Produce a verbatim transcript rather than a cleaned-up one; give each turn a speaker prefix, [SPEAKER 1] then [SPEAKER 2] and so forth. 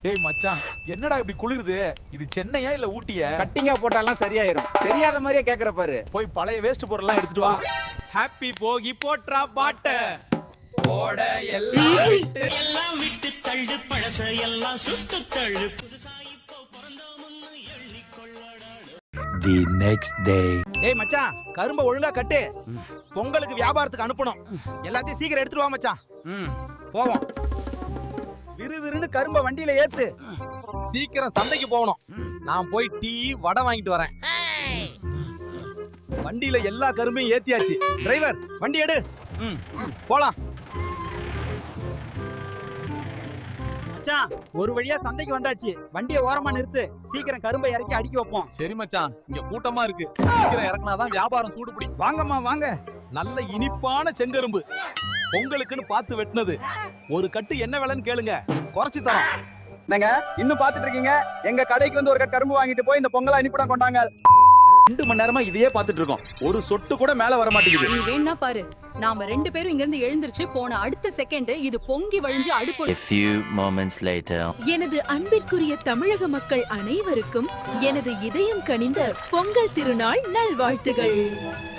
[SPEAKER 1] டேய் மச்சான், என்னடா இப்படி குளிருது? இது சென்னையா இல்ல ஊட்டியா?
[SPEAKER 2] கட்டிங்கா போட்டாலாம் சரியாயிரும். தெரியாத மாதிரியே கேக்குற பாரு.
[SPEAKER 1] போய் பழைய வேஸ்ட் பொருள்லாம் எடுத்துட்டு வா.
[SPEAKER 3] ஹாப்பி போகி போட்றா பாட்ட போட எல்லாம் விட்டு
[SPEAKER 4] எல்லாம் விட்டு தள்ளு பழச எல்லாம் சுட்டு தள்ளு புதுசா இப்போ பிறந்தோம்னு எண்ணிக்கொள்ளடா.
[SPEAKER 5] The next day.
[SPEAKER 3] ஏய் மச்சான், கரும்ப ஒழுங்கா கட்டு. பொங்கலுக்கு வியாபாரத்துக்கு அனுப்பணும். எல்லாத்தையும் சீக்கிரம் எடுத்துட்டு வா மச்சான். ம், போவோம். விறுவிறுன்னு கரும்ப வண்டியில ஏத்து. சீக்கிரம் சந்தைக்கு போகணும். நான் போய் டீ வடை வாங்கிட்டு வரேன். வண்டியில எல்லா கரும்பையும் ஏத்தியாச்சு. டிரைவர் வண்டி எடு. ம், போலாம். மச்சான், ஒரு வழியா சந்தைக்கு வந்தாச்சு. வண்டியை ஓரமா நிறுத்து. சீக்கிரம் கரும்பை இறக்கி அடுக்கி வைப்போம்.
[SPEAKER 1] சரி மச்சான், இங்க கூட்டமா இருக்கு. சீக்கிரம் இறக்குனாதான் வியாபாரம் சூடு பிடி.
[SPEAKER 3] வாங்கம்மா வாங்க. நல்ல இனிப்பான செங்கரும்பு. பொங்கலுக்குன்னு பார்த்து வெட்டினது. ஒரு கட்டு என்ன விலைன்னு கேளுங்க, குறைச்சு தரோம்.
[SPEAKER 2] என்னங்க இன்னும் பாத்துட்டு இருக்கீங்க? எங்க கடைக்கு வந்து ஒரு கட்டு கரும்பு வாங்கிட்டு போய் இந்த பொங்கலா இனிப்புடன் கொண்டாங்க.
[SPEAKER 3] ரெண்டு மணி நேரமா இதையே பார்த்துட்டு இருக்கோம். ஒரு சொட்டு கூட மேல வர மாட்டேங்குது.
[SPEAKER 6] நீ வேணா பாரு. நாம ரெண்டு பேரும் இங்க இருந்து எழுந்திருச்சு போன அடுத்த செகண்ட் இது பொங்கி வழிஞ்சு அடுப்பு.
[SPEAKER 5] A few moments later.
[SPEAKER 7] எனது அன்பிற்குரிய தமிழக மக்கள் அனைவருக்கும் எனது இதயம் கனிந்த பொங்கல் திருநாள் நல்வாழ்த்துகள்.